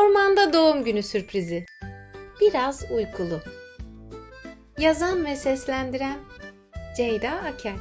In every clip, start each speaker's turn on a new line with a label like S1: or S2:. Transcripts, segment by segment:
S1: Ormanda doğum günü sürprizi. Biraz uykulu. Yazan ve seslendiren Ceyda Akel.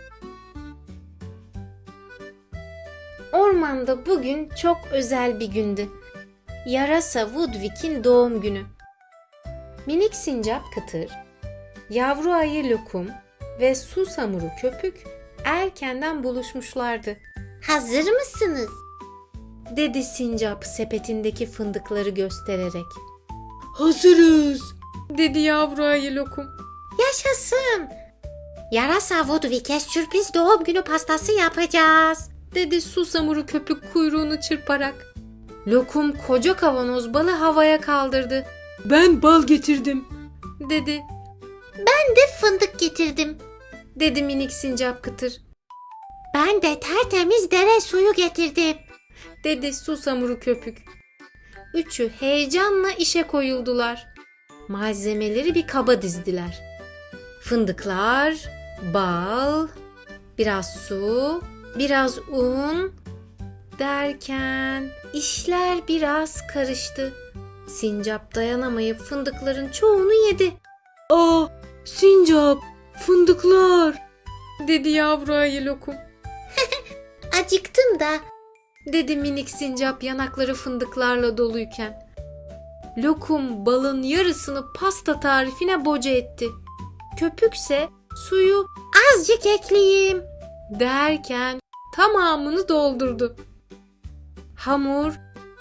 S1: Ormanda bugün çok özel bir gündü. Yarasa Woodwick'in doğum günü. Minik sincap Kıtır, yavru ayı Lokum ve susamuru Köpük erkenden buluşmuşlardı.
S2: Hazır mısınız?
S1: Dedi sincap sepetindeki fındıkları göstererek.
S3: Hazırız.
S1: Dedi yavru ayı Lokum.
S2: Yaşasın. Yarasa Woodwick'e sürpriz doğum günü pastası yapacağız.
S1: Dedi susamuru Köpük kuyruğunu çırparak. Lokum koca kavanoz balı havaya kaldırdı.
S3: Ben bal getirdim.
S1: Dedi.
S2: Ben de fındık getirdim.
S1: Dedi minik sincap Kıtır.
S2: Ben de tertemiz dere suyu getirdim.
S1: Dedi susamuru Köpük. Üçü heyecanla işe koyuldular. Malzemeleri bir kaba dizdiler. Fındıklar, bal, biraz su, biraz un derken işler biraz karıştı. Sincap dayanamayıp fındıkların çoğunu yedi.
S3: Aa, sincap, fındıklar.
S1: Dedi yavru ayı Lokum.
S2: Acıktım da.
S1: Dedi minik sincap yanakları fındıklarla doluyken. Lokum balın yarısını pasta tarifine boca etti. Köpükse suyu
S2: Azıcık ekleyeyim.
S1: derken tamamını doldurdu. Hamur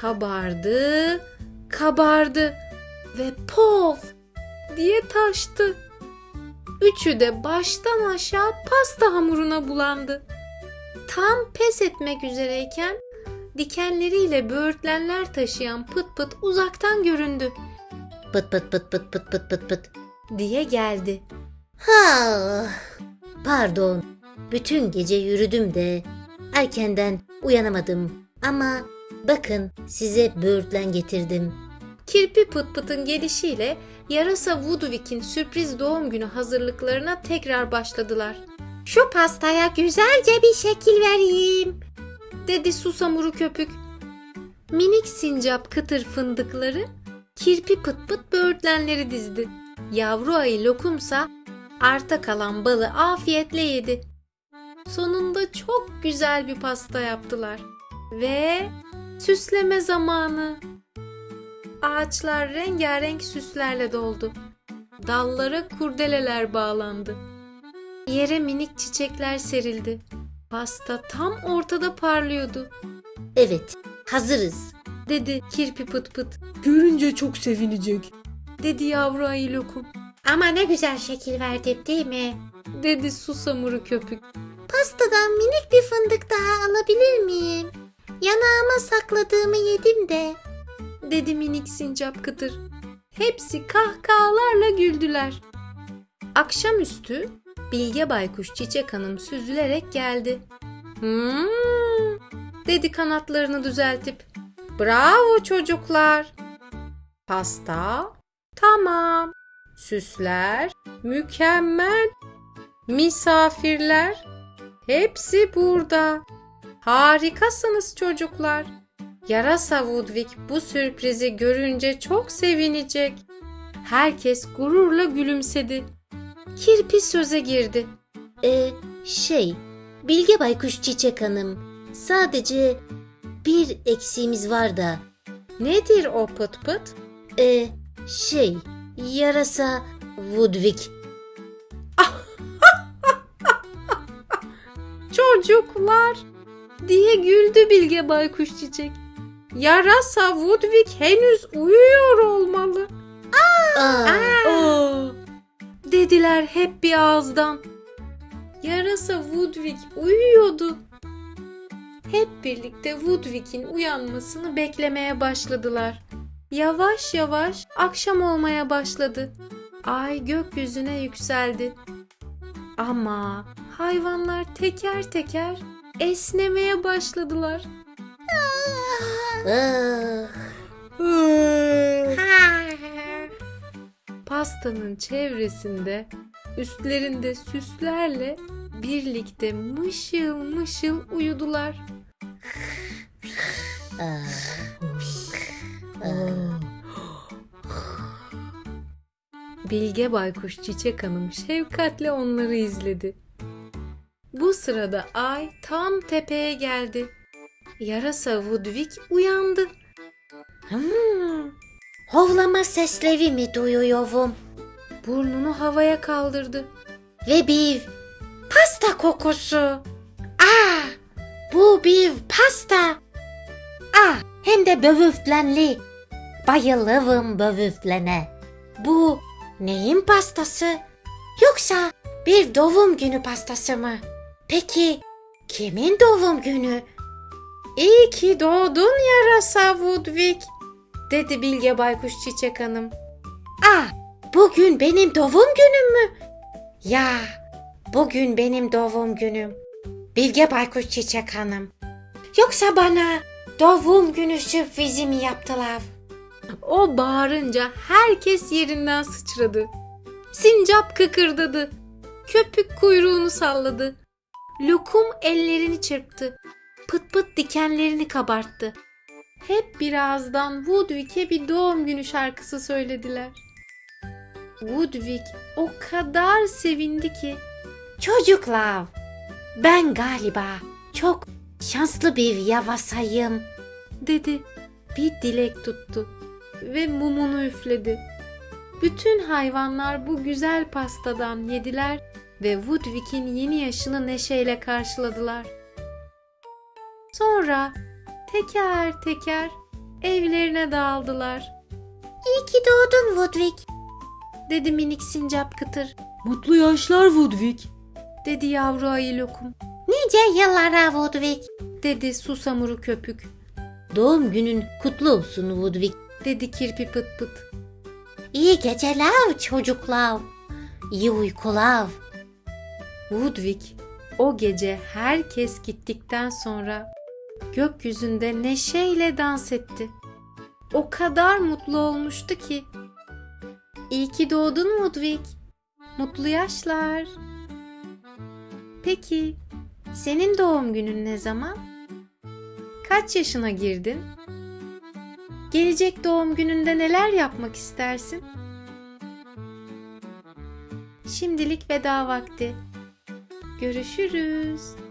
S1: kabardı ve pof diye taştı. Üçü de baştan aşağı pasta hamuruna bulandı. Tam pes etmek üzereyken dikenleriyle böğürtlenler taşıyan Pıt Pıt uzaktan göründü
S2: Pıt pıt pıt pıt pıt pıt pıt pıt.
S1: diye geldi.
S2: Ha, pardon. Bütün gece yürüdüm de erkenden uyanamadım. Ama bakın size böğürtlen getirdim.
S1: Kirpi Pıt Pıt'ın gelişiyle yarasa Woodwick'in sürpriz doğum günü hazırlıklarına tekrar başladılar.
S2: Şu pastaya güzelce bir şekil vereyim.
S1: Dedi susamuru Köpük. Minik sincap Kıtır fındıkları, kirpi Pıt Pıt böğürtlenleri dizdi. Yavru ayı Lokumsa arta kalan balı afiyetle yedi. Sonunda çok güzel bir pasta yaptılar. Ve süsleme zamanı. Ağaçlar rengarenk süslerle doldu. Dallara kurdeleler bağlandı. Yere minik çiçekler serildi. Pasta tam ortada parlıyordu.
S2: Evet, hazırız.
S1: Dedi kirpi Pıt Pıt.
S3: Görünce çok sevinecek.
S1: Dedi yavru ayı Lokum.
S2: Ama ne güzel şekil verdim değil mi?
S1: Dedi susamuru Köpük.
S2: Pastadan minik bir fındık daha alabilir miyim? Yanağıma sakladığımı yedim de.
S1: Dedi minik sincap Kıtır. Hepsi kahkahalarla güldüler. Akşamüstü Bilge Baykuş Çiçek Hanım süzülerek geldi. Dedi kanatlarını düzeltip. Bravo çocuklar. Pasta tamam. Süsler mükemmel. Misafirler hepsi burada. Harikasınız çocuklar. Yarasa Woodwick bu sürprizi görünce çok sevinecek. Herkes gururla gülümsedi. Kirpi söze girdi.
S2: Bilge Baykuş Çiçek Hanım, sadece bir eksiğimiz var da.
S1: Nedir o Pıt Pıt?
S2: Yarasa Woodwick.
S1: Çocuklar diye güldü Bilge Baykuş Çiçek. Yarasa Woodwick henüz uyuyor olmalı.
S3: Aa,
S1: Dediler hep bir ağızdan. Yarasa Woodwick uyuyordu. Hep birlikte Woodwick'in uyanmasını beklemeye başladılar. Yavaş yavaş akşam olmaya başladı. Ay gökyüzüne yükseldi. Ama hayvanlar teker teker esnemeye başladılar. Pastanın çevresinde, üstlerinde süslerle birlikte mışıl mışıl uyudular. Bilge Baykuş Çiçek Hanım şefkatle onları izledi. Bu sırada ay tam tepeye geldi. Yarasa Woodwick uyandı.
S2: Hovlama sesleri mi duyuyorum?
S1: Burnunu havaya kaldırdı.
S2: Ve bir pasta kokusu. Bu bir pasta. Hem de böğürtlenli. Bayılırım böğürtlene. Bu neyin pastası? Yoksa bir doğum günü pastası mı? Peki kimin doğum günü?
S1: İyi ki doğdun yarasa Woodwick, dedi Bilge Baykuş Çiçek Hanım.
S2: Bugün benim doğum günüm mü? Ya, bugün benim doğum günüm. Bilge Baykuş Çiçek Hanım. Yoksa bana doğum günü sürprizi mi yaptılar?
S1: O bağırınca herkes yerinden sıçradı. Sincap kıkırdadı. Köpük kuyruğunu salladı. Lokum ellerini çırptı. Pıt pıt dikenlerini kabarttı. Hep birazdan Woodwick'e bir doğum günü şarkısı söylediler. Woodwick o kadar sevindi ki.
S2: Çocuklar, ben galiba çok şanslı bir yarasayım.
S1: Dedi. Bir dilek tuttu ve mumunu üfledi. Bütün hayvanlar bu güzel pastadan yediler ve Woodwick'in yeni yaşını neşeyle karşıladılar. Sonra teker teker evlerine dağıldılar,
S2: İyi ki doğdun Woodwick.
S1: dedi minik sincap Kıtır,
S3: Mutlu yaşlar Woodwick.
S1: dedi yavru ayı Lokum,
S2: Nice yıllara Woodwick.
S1: dedi susamuru Köpük,
S2: Doğum günün kutlu olsun Woodwick.
S1: dedi kirpi Pıt Pıt.
S2: İyi geceler çocuklar. İyi uykular.
S1: Woodwick o gece herkes gittikten sonra gökyüzünde neşeyle dans etti. O kadar mutlu olmuştu ki. İyi ki doğdun Woodwick. Mutlu yaşlar. Peki, senin doğum günün ne zaman? Kaç yaşına girdin? Gelecek doğum gününde neler yapmak istersin? Şimdilik veda vakti. Görüşürüz.